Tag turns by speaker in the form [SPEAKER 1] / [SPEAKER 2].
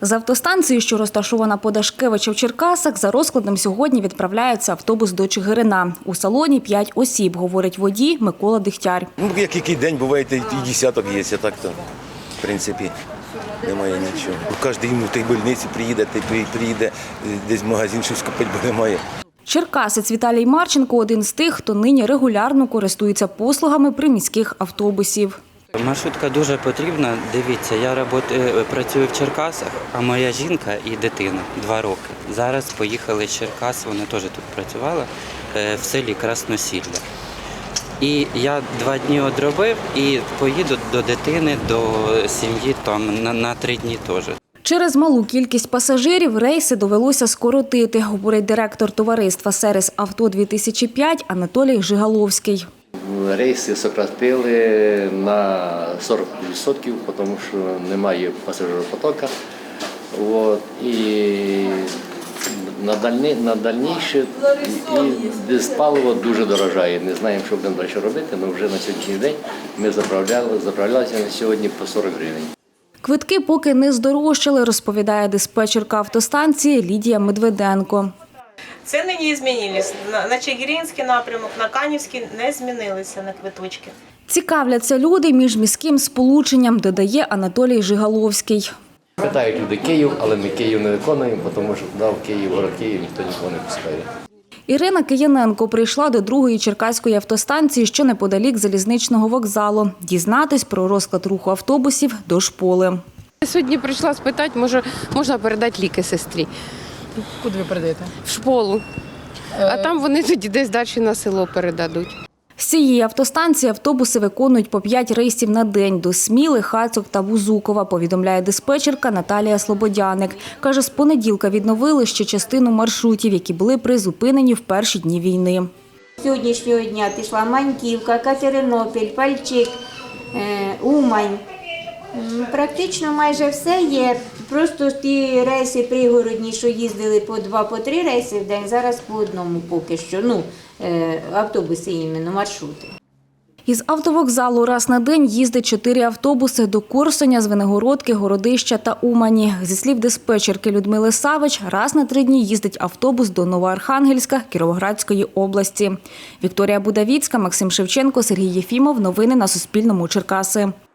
[SPEAKER 1] З автостанції, що розташована по Дашкевича в Черкасах, за розкладом сьогодні відправляється автобус до Чигирина. У салоні 5 осіб, говорить водій Микола Дегтяр.
[SPEAKER 2] Який день буває, і десяток є, а так то, в принципі, немає нічого. Кожен в тій больниці приїде, десь в магазин щось купити, бо немає.
[SPEAKER 1] Черкасець Віталій Марченко – один з тих, хто нині регулярно користується послугами приміських автобусів.
[SPEAKER 3] Маршрутка дуже потрібна. Дивіться, я працюю в Черкасах, а моя жінка і дитина 2 роки. Зараз поїхали з Черкас, вони теж тут працювали, в селі Красносілля. І я 2 дні одробив і поїду до дитини, до сім'ї там на 3 дні теж.
[SPEAKER 1] Через малу кількість пасажирів рейси довелося скоротити, говорить директор товариства «Сервіс Авто-2005» Анатолій Жигаловський.
[SPEAKER 4] Рейси сократили на 40%, тому що немає пасажиропотоку. І на дальніше і паливо дуже дорожає. Не знаємо, що будемо далі робити, але вже на сьогоднішній день ми заправлялися на сьогодні по 40 гривень.
[SPEAKER 1] Квитки поки не здорожчали, розповідає диспетчерка автостанції Лідія Медведенко.
[SPEAKER 5] Ціни не змінилися. На Чигиринський напрямок, на Канівський не змінилися на квиточки.
[SPEAKER 1] Цікавляться люди міжміським сполученням, додає Анатолій Жигаловський.
[SPEAKER 4] Питають люди Київ, але ми Київ не виконуємо, тому що туди в Київ, город Київ, ніхто нікого не пускає.
[SPEAKER 1] Ірина Кияненко прийшла до 2-ї черкаської автостанції, що неподалік залізничного вокзалу, дізнатись про розклад руху автобусів до шполи.
[SPEAKER 6] Сьогодні прийшла спитати, можна передати ліки сестрі.
[SPEAKER 7] Куди ви передаєте?
[SPEAKER 6] В школу. А там вони тоді десь далі на село передадуть.
[SPEAKER 1] З цієї автостанції автобуси виконують по 5 рейсів на день до Сміли, Хацьок та Бузукова, повідомляє диспетчерка Наталія Слободяник. Каже, з понеділка відновили ще частину маршрутів, які були призупинені в перші дні війни.
[SPEAKER 8] З сьогоднішнього дня пішла Маньківка, Катеринопіль, Пальчик, Умань. Практично майже все є. Просто ті рейси пригородні, що їздили по 2-3 рейси в день, зараз по одному поки що. Автобуси іменно, маршрути.
[SPEAKER 1] Із автовокзалу раз на день їздить 4 автобуси до Корсуня, Звенигородки, Городища та Умані. Зі слів диспетчерки Людмили Савич, раз на 3 дні їздить автобус до Новоархангельська Кіровоградської області. Вікторія Будавіцька, Максим Шевченко, Сергій Єфімов. Новини на Суспільному. Черкаси.